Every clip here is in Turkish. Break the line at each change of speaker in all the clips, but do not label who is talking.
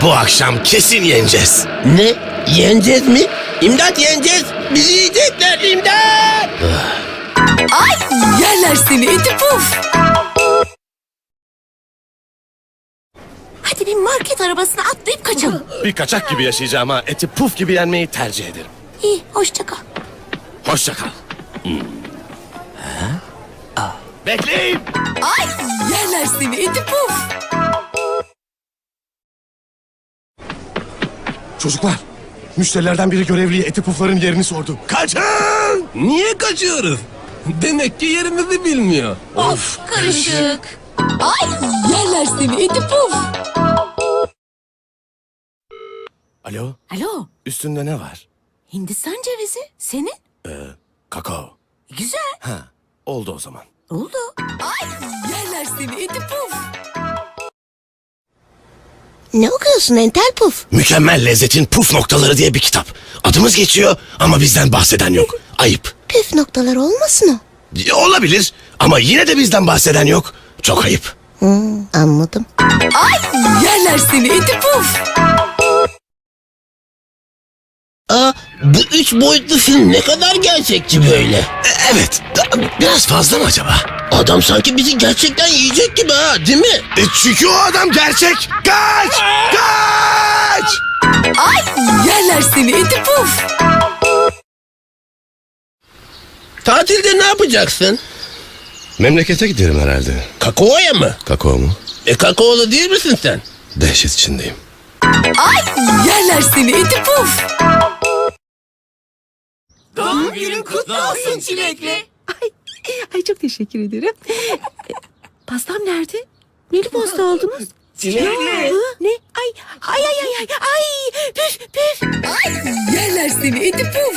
Bu akşam kesin yeneceğiz.
Ne? Yeneceğiz mi? İmdat yeneceğiz. Bizi yiyecekler imdat.
Ay yerler seni iti puf. Hadi bir market arabasına atlayıp kaçalım.
Bir kaçak gibi yaşayacağım ama eti puf gibi yenmeyi tercih ederim.
İyi hoşça kal.
Hoşça kal. Bekleyin.
Ay yerler seni iti puf.
Çocuklar, müşterilerden biri görevliye eti pufların yerini sordu. Kaçın!
Niye kaçıyoruz? Demek ki yerimizi bilmiyor.
Of karışık. Ay yerler seni iti puf.
Alo,
Alo
üstünde ne var?
Hindistan cevizi senin.
Kakao.
Güzel
Ha, oldu o zaman.
oldu. Ay yerler seni iti puf. Ne okuyorsun entel puf?
Mükemmel lezzetin puf noktaları diye bir kitap. Adımız geçiyor ama bizden bahseden yok. Ayıp.
Püf noktalar olmasın o.
Olabilir ama yine de bizden bahseden yok. Çok ayıp.
Anladım. Ay yerler seni iti puf.
Bu 3 boyutlu film ne kadar gerçekçi böyle.
Evet, biraz fazla mı acaba?
Adam sanki bizi gerçekten yiyecek gibi ha, değil mi?
Çünkü o adam gerçek. Kaç! Kaç!
Ay yerler seni iti puf.
Tatilde ne yapacaksın?
Memlekete giderim herhalde.
Kakao'ya mı?
Kakao mu?
Kakaolu değil misin sen?
Dehşet içindeyim.
Ay yerler seni iti puf.
Doğum günün kutlu olsun çilekli.
Ay çok teşekkür ederim. Pastam nerede? Neli pasta aldınız?
Çilekli.
Hı? Ne? Ay. Püf.
Ay yerler seni iti puf.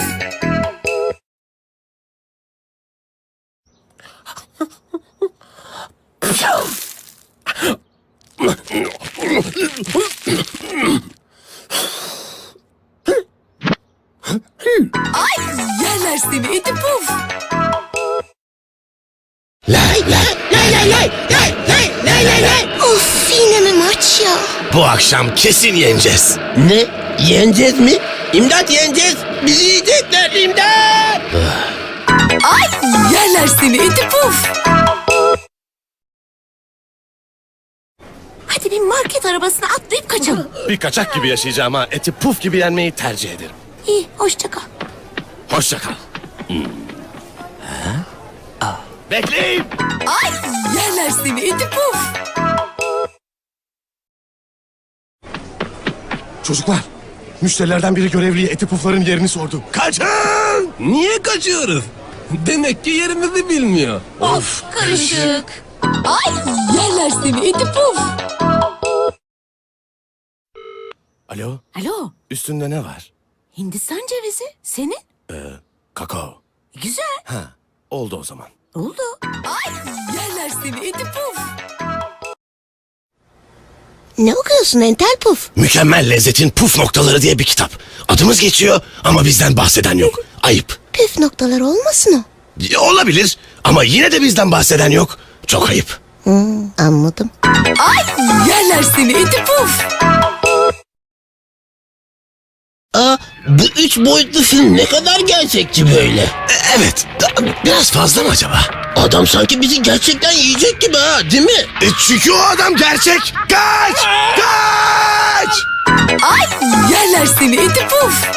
Ay yerler seni iti puf.
Lay.
Of yine mi maç ya?
Bu akşam kesin yeneceğiz.
Ne? Yeneceğiz mi? İmdat yeneceğiz. Bizi yiyecekler imdat.
Ay yerler seni iti puf. Hadi bir market arabasına atlayıp kaçalım.
Bir kaçak gibi yaşayacağım ama eti puf gibi yenmeyi tercih ederim.
İyi hoşça kal.
Hoşça kal. Bekleyin.
Ay yerler seni iti puf.
Çocuklar, müşterilerden biri görevliye eti pufların yerini sordu. Kaçın!
Niye kaçıyoruz? Demek ki yerimizi bilmiyor.
Of karışık. Ay yerler seni iti puf.
Alo,
Alo
üstünde ne var?
Hindistan cevizi senin.
Kakao.
Güzel
Ha, oldu o zaman.
oldu. Ay yerler seni iti puf. Ne okuyorsun entel puf?
Mükemmel lezzetin puf noktaları diye bir kitap. Adımız geçiyor ama bizden bahseden yok. Ayıp.
Püf noktalar olmasın o.
Olabilir ama yine de bizden bahseden yok. Çok ayıp.
Anladım. Ay yerler seni iti puf.
Bu 3 boyutlu film ne kadar gerçekçi böyle.
Evet, biraz fazla mı acaba?
Adam sanki bizi gerçekten yiyecek gibi ha, değil mi?
Çünkü o adam gerçek. Kaç! Kaç!
Ay yerler seni iti puf.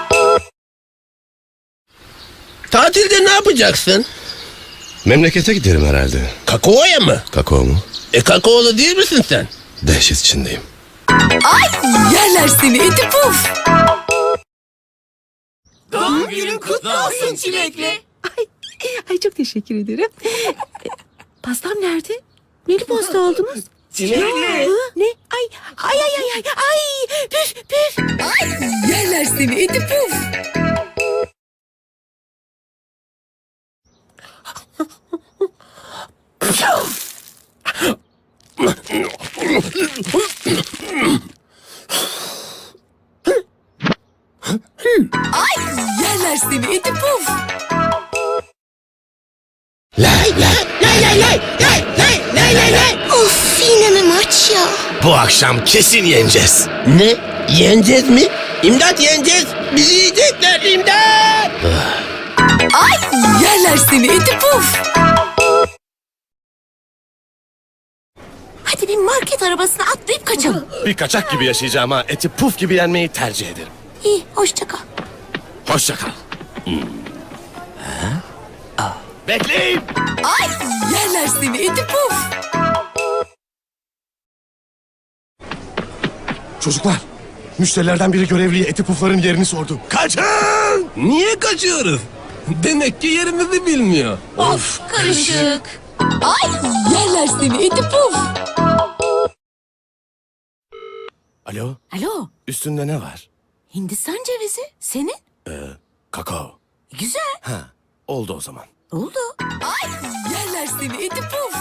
Tatilde ne yapacaksın?
Memlekete giderim herhalde.
Kakao'ya mı?
Kakao mu?
Kakaolu değil misin sen?
Dehşet içindeyim.
Ay yerler seni iti puf.
Doğum günün kutlu olsun çilekli.
Ay çok teşekkür ederim. Pastam nerede? Neli pasta aldınız?
Çilekli.
Hı? Ne? Ay. Püf.
Ay yerler seni iti puf. Ay yerler seni iti puf.
Lay.
Of yine mi maç ya?
Bu akşam kesin yeneceğiz.
Ne? Yeneceğiz mi? İmdat yeneceğiz. Bizi yiyecekler imdat.
Ay yerler seni iti puf. Hadi bir market arabasına atlayıp kaçalım.
Bir kaçak gibi yaşayacağım ama eti puf gibi yenmeyi tercih ederim.
İyi hoşça kal.
Hoşça kal. Bekleyin.
Ay yerler seni iti puf.
Çocuklar, müşterilerden biri görevliye eti pufların yerini sordu. Kaçın!
Niye kaçıyoruz? Demek ki yerimizi bilmiyor.
Of karışık. Ay yerler seni iti puf.
Alo,
Alo
üstünde ne var?
Hindistan cevizi senin.
Kakao.
Güzel
Ha, oldu o zaman.
oldu. Ay yerler seni iti puf.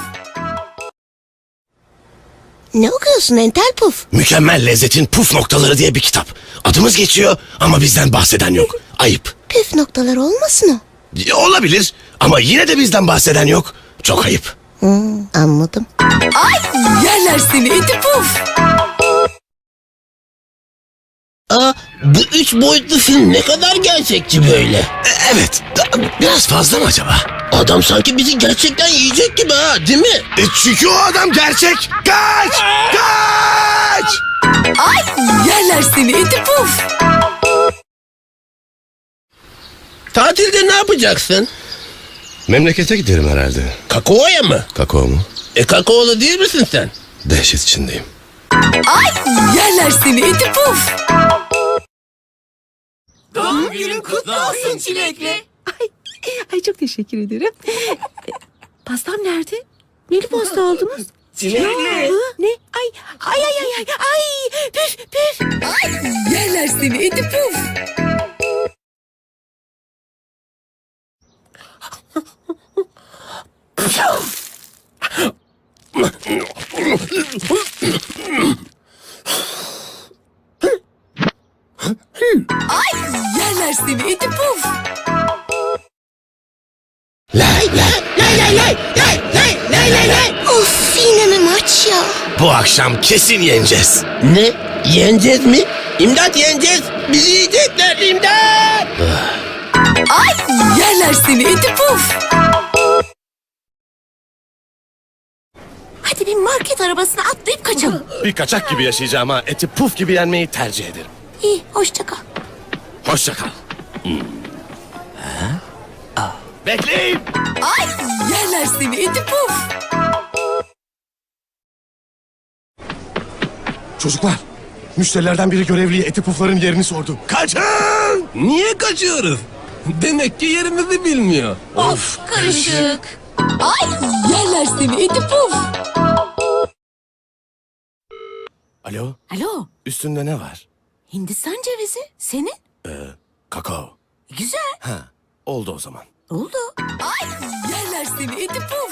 Ne okuyorsun entel puf?
Mükemmel lezzetin puf noktaları diye bir kitap. Adımız geçiyor ama bizden bahseden yok. Ayıp.
Püf noktalar olmasın o.
Olabilir ama yine de bizden bahseden yok. Çok ayıp.
Anladım.
Ay yerler seni iti puf.
Aa, bu 3 boyutlu film ne kadar gerçekçi böyle.
Evet, biraz fazla mı acaba?
Adam sanki bizi gerçekten yiyecek gibi ha, değil mi?
Çünkü o adam gerçek. Kaç! Kaç!
Ay yerler seni iti puf.
Tatilde ne yapacaksın?
Memlekete giderim herhalde.
Kakao'ya mı?
Kakao mu?
Kakaolu değil misin sen?
Dehşet içindeyim.
Ay yerler seni iti puf.
Doğum günün kutlu olsun çilekli.
Ay çok teşekkür ederim. Pastam nerede? Neli pasta aldınız?
Çilekli.
Ne? Ay. Püf.
Ay yerler seni iti puf. Ay yerler seni iti puf.
Lay lay.
Of yine mi maç ya?
Bu akşam kesin yeneceğiz.
Ne? Yeneceğiz mi? İmdat yeneceğiz. Bizi yiyecekler imdat.
Ay yerler seni iti puf. Hadi bir market arabasına atlayıp kaçalım.
Bir kaçak gibi yaşayacağım ama eti puf gibi yenmeyi tercih ederim.
İyi hoşça kal.
Hoşça kal. Bekleyin.
Ay yerler seni iti puf.
Çocuklar, müşterilerden biri görevliye eti pufların yerini sordu. Kaçın!
Niye kaçıyoruz? Demek ki yerimizi bilmiyor.
Of karışık. Ay yerler seni iti puf.
Alo,
Alo
üstünde ne var?
Hindistan cevizi senin.
Kakao.
Güzel
Ha, oldu o zaman.
oldu. Ay yerler seni iti puf.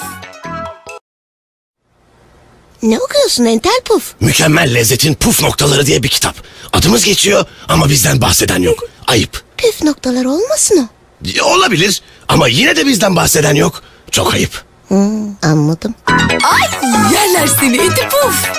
Ne okuyorsun entel puf?
Mükemmel lezzetin puf noktaları diye bir kitap. Adımız geçiyor ama bizden bahseden yok. Ayıp.
Püf noktalar olmasın o.
Olabilir ama yine de bizden bahseden yok. Çok ayıp.
Anladım.
Ay yerler seni iti puf.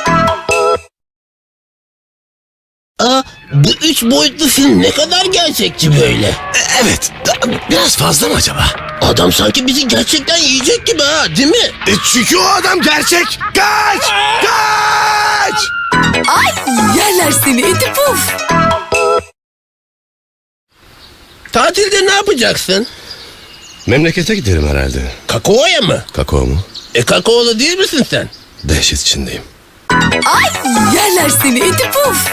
Aa, bu 3 boyutlu film ne kadar gerçekçi böyle.
Evet, biraz fazla mı acaba?
Adam sanki bizi gerçekten yiyecek gibi ha, değil mi?
Çünkü o adam gerçek. Kaç! Kaç!
Ay yerler seni iti puf.
Tatilde ne yapacaksın?
Memlekete giderim herhalde.
Kakao'ya mı?
Kakao mu?
Kakaolu değil misin sen?
Dehşet içindeyim.
Ay yerler seni iti puf.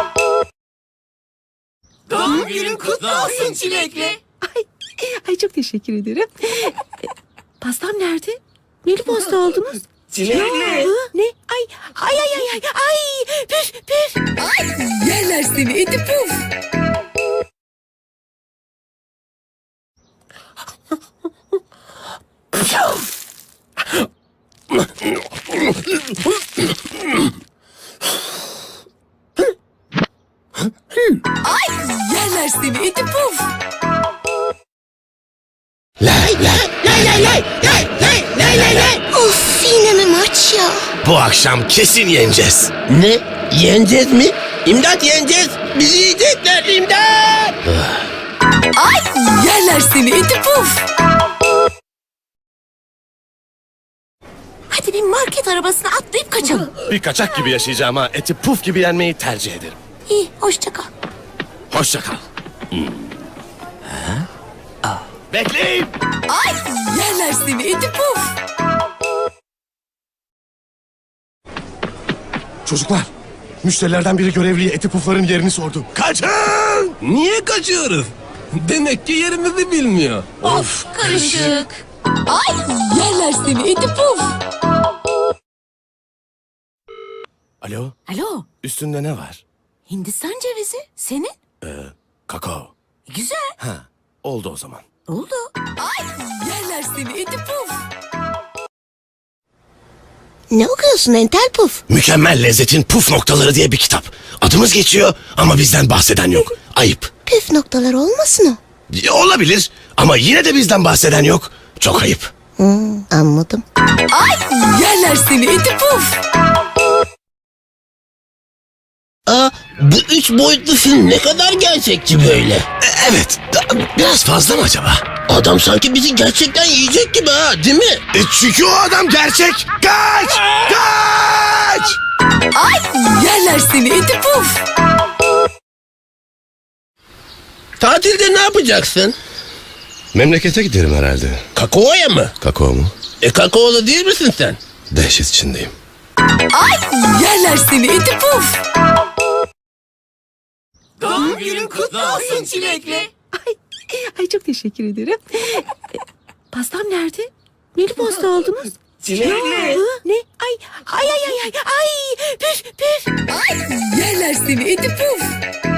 Doğum günün kutlu olsun çilekli.
Ay çok teşekkür ederim. Pastam nerede? Neli pasta aldınız?
Çilekli.
Ne? Ay. Püf.
Ay yerler seni iti puf. Ay yerler seni iti puf.
Lay lay.
Of yine mi maç ya?
Bu akşam kesin yeneceğiz.
Ne? Yeneceğiz mi? İmdat yeneceğiz. Bizi yiyecekler imdat.
Ay yerler seni iti puf. Hadi bir market arabasına atlayıp kaçalım.
Bir kaçak gibi yaşayacağım ha. Eti puf gibi yenmeyi tercih ederim.
İyi hoşça kal.
Hoşça kal. Bekleyin.
Ay yerler seni iti puf.
Çocuklar, müşterilerden biri görevliye eti pufların yerini sordu. Kaçın!
Niye kaçıyoruz? Demek ki yerimizi bilmiyor.
Of karışık. Ay yerler seni iti puf.
Alo,
Alo
üstünde ne var?
Hindistan cevizi senin.
Kakao.
Güzel
Ha, oldu o zaman.
oldu. Ay yerler seni iti puf.
Ne okuyorsun entel puf?
Mükemmel lezzetin puf noktaları diye bir kitap. Adımız geçiyor ama bizden bahseden yok. Ayıp.
Püf noktalar olmasın o.
Olabilir ama yine de bizden bahseden yok. Çok ayıp.
Anladım.
Ay yerler seni iti puf.
Aa, bu 3 boyutlu film ne kadar gerçekçi böyle.
Evet, biraz fazla mı acaba?
Adam sanki bizi gerçekten yiyecek gibi ha, değil mi?
Çünkü o adam gerçek. Kaç! Kaç!
Ay yerler seni iti puf.
Tatilde ne yapacaksın?
Memlekete giderim herhalde.
Kakao'ya mı?
Kakao mu?
Kakaolu değil misin sen?
Dehşet içindeyim.
Ay yerler seni iti puf.
Doğum günün kutlu olsun çilekli.
Ay çok teşekkür ederim. Pastam nerede? Neli pasta aldınız?
Çilekli.
Ne? Ay. Püf.
Ay yerler seni iti puf.